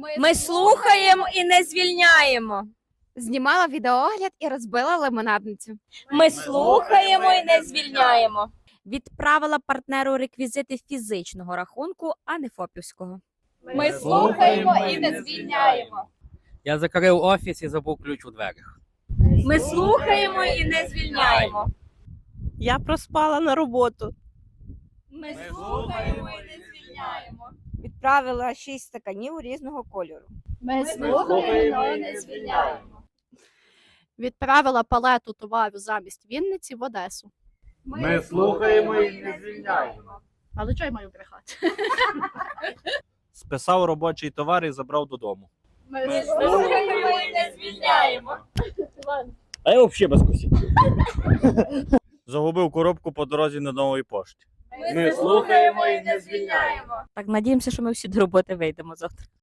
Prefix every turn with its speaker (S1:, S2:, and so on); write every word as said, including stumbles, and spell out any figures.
S1: Ми слухаємо і не звільняємо.
S2: Знімала відеоогляд і розбила лимонадницю.
S1: Ми слухаємо і не звільняємо.
S3: Відправила партнеру реквізити фізичного рахунку, а не фопівського.
S1: Ми слухаємо і не звільняємо.
S4: Я закрив офіс і забув ключ у дверях.
S1: Ми слухаємо і не звільняємо.
S5: Я проспала на роботу.
S1: Ми слухаємо і не звільняємо.
S6: Відправила шість стаканів різного кольору.
S1: Ми слухаємо і не звільняємо.
S2: Відправила палету товару замість Вінниці в Одесу.
S7: Ми слухаємо і не звільняємо.
S2: Але чого я маю брехати?
S7: Списав робочий товар і забрав додому.
S1: Ми слухаємо і не звільняємо.
S8: А я взагалі без кусів.
S7: Загубив коробку по дорозі на новій пошті.
S1: Ми слухаємо і не звільняємо.
S3: Так, надіємося, що ми всі до роботи вийдемо завтра.